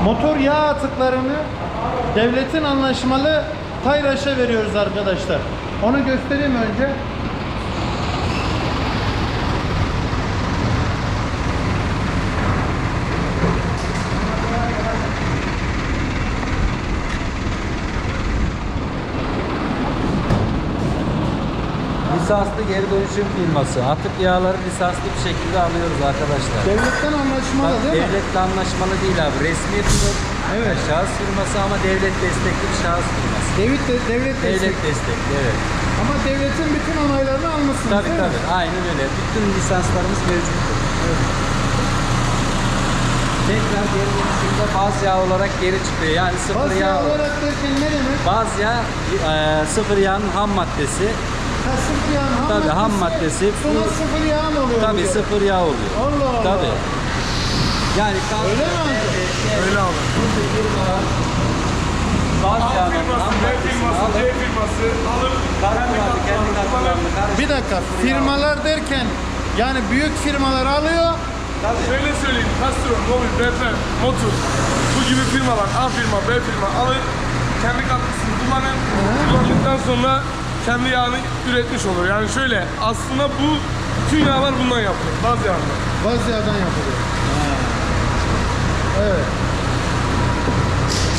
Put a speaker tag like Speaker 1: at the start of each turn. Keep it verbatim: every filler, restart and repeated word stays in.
Speaker 1: Motor yağ atıklarını devletin anlaşmalı Tayraş'a veriyoruz arkadaşlar. Onu göstereyim önce.
Speaker 2: Lisanslı geri dönüşüm firması. Atık yağları lisanslı bir şekilde alıyoruz arkadaşlar.
Speaker 1: Devletten anlaşmalı
Speaker 2: Bak,
Speaker 1: değil mi?
Speaker 2: devletle anlaşmalı değil abi. Resmi bir
Speaker 1: Evet.
Speaker 2: şahıs firması ama devlet destekli bir şahıs firması.
Speaker 1: Devlet, de, devlet,
Speaker 2: Devlet
Speaker 1: destek.
Speaker 2: destekli, evet.
Speaker 1: Ama devletin bütün onaylarını almışsınız
Speaker 2: Tabii
Speaker 1: değil
Speaker 2: tabii.
Speaker 1: mi?
Speaker 2: Aynen öyle. Bütün lisanslarımız mevcuttur.
Speaker 1: Evet.
Speaker 2: Tekrar geri dönüşümde baz yağ olarak geri çıkıyor. Yani sıfır
Speaker 1: Baz
Speaker 2: yağ.
Speaker 1: yağ olarak derken ne demek?
Speaker 2: Baz yağ e, sıfır yağın ham maddesi.
Speaker 1: Ha, sıfır yağın ham
Speaker 2: Tabii,
Speaker 1: maddesi.
Speaker 2: ham maddesi.
Speaker 1: Sonra
Speaker 2: Bu-
Speaker 1: sıfır yağ mı oluyor?
Speaker 2: Tabii
Speaker 1: bu?
Speaker 2: sıfır yağ oluyor.
Speaker 1: Allah Allah.
Speaker 2: Tabii. Yani
Speaker 1: Öyle mi amca?
Speaker 3: Öyle abi.
Speaker 2: baz
Speaker 3: A
Speaker 2: yağının
Speaker 3: firması,
Speaker 2: ham
Speaker 3: B
Speaker 2: maddesini
Speaker 3: firması,
Speaker 2: alıp
Speaker 3: C firması alır.
Speaker 2: kartlarını, kendi kartlarını karıştırıp
Speaker 1: Bir dakika, firmalar derken yani büyük firmalar alıyor.
Speaker 3: Şöyle söyleyeyim, Castron, Mobil, B P, Motor bu gibi firmalar A firma, B firma alır. Kendi katkısını kullanır. Kullandıktan sonra kendi yağını üretmiş olur. Yani şöyle, aslında bu bütün yağlar bundan yapılır. Baz yağından.
Speaker 1: Baz yağdan yapılıyor. Evet.